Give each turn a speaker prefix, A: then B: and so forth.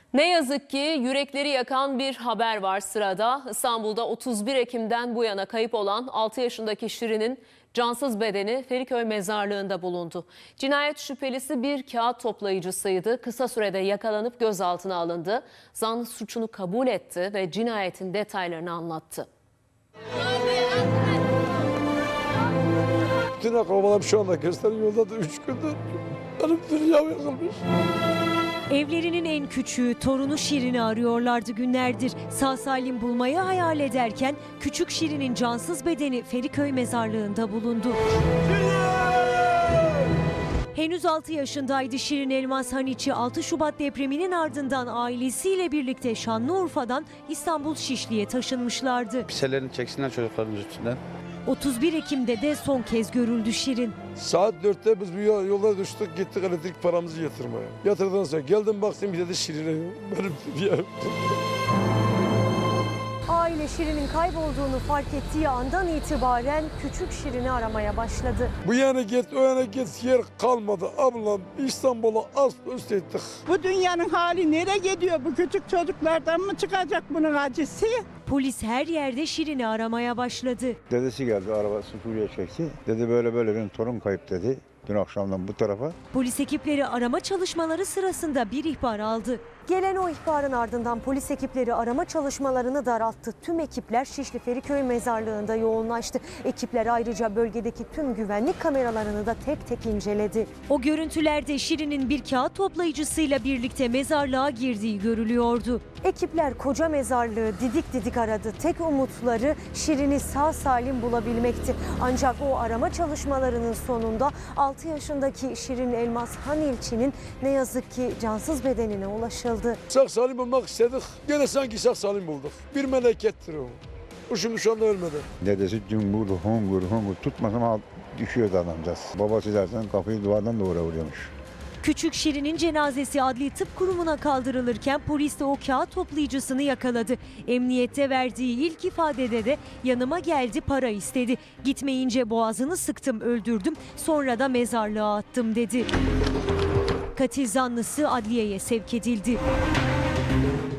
A: Ne yazık ki yürekleri yakan bir haber var sırada. İstanbul'da 31 Ekim'den bu yana kayıp olan 6 yaşındaki Şirin'in cansız bedeni Feriköy mezarlığında bulundu. Cinayet şüphelisi bir kağıt toplayıcısıydı. Kısa sürede yakalanıp gözaltına alındı. Zanlı suçunu kabul etti ve cinayetin detaylarını anlattı.
B: Bütün akrabalarım şu anda gösteriyor, yolda da 3 gündür benim dünyam yakılmış.
C: Evlerinin en küçüğü torunu Şirin'i arıyorlardı günlerdir. Sağ salim bulmayı hayal ederken küçük Şirin'in cansız bedeni Feriköy mezarlığında bulundu. Henüz 6 yaşındaydı Şirin Elmas Haniçi. 6 Şubat depreminin ardından ailesiyle birlikte Şanlıurfa'dan İstanbul Şişli'ye taşınmışlardı.
D: Piselerini çeksinler çocuklarımız üstünden.
C: 31 Ekim'de de son kez görüldü Şirin.
B: Saat 4'te biz bir yolda düştük, gittik elektrik paramızı yatırmaya. Yatırdıktan sonra geldim baktım bir de Şirin'e benim diye.
C: Aile Şirin'in kaybolduğunu fark ettiği andan itibaren küçük Şirin'i aramaya başladı.
B: Bu yana git, o yana git, yer kalmadı. Ablam İstanbul'a az üst ettik.
E: Bu dünyanın hali nereye gidiyor? Bu küçük çocuklardan mı çıkacak bunun acısı?
C: Polis her yerde Şirin'i aramaya başladı.
F: Dedesi geldi, arabası Suriye çekti. Dedi böyle benim torun kayıp dedi. Dün akşamdan bu tarafa.
C: Polis ekipleri arama çalışmaları sırasında bir ihbar aldı. Gelen o ihbarın ardından polis ekipleri arama çalışmalarını daralttı. Tüm ekipler Şişli Feriköy mezarlığında yoğunlaştı. Ekipler ayrıca bölgedeki tüm güvenlik kameralarını da tek tek inceledi. O görüntülerde Şirin'in bir kağıt toplayıcısıyla birlikte mezarlığa girdiği görülüyordu. Ekipler koca mezarlığı didik didik aradı. Tek umutları Şirin'i sağ salim bulabilmekti. Ancak o arama çalışmalarının sonunda 6 yaşındaki Şirin Elmas Hanilçi'nin ne yazık ki cansız bedenine ulaşıldı.
B: Sağ salim bulmak istedik, gene sanki sağ salim bulduk. Bir melekettir o. O şimdi şu anda ölmedi.
F: Dedesi cümbür hungur tutmasam düşüyordu adamcağız. Babası dersen kafayı duvardan duvara vuruyormuş.
C: Küçük Şirin'in cenazesi Adli Tıp Kurumu'na kaldırılırken polis de o kağıt toplayıcısını yakaladı. Emniyette verdiği ilk ifadede de yanıma geldi, para istedi. Gitmeyince boğazını sıktım, öldürdüm, sonra da mezarlığa attım dedi. Katil zanlısı adliyeye sevk edildi.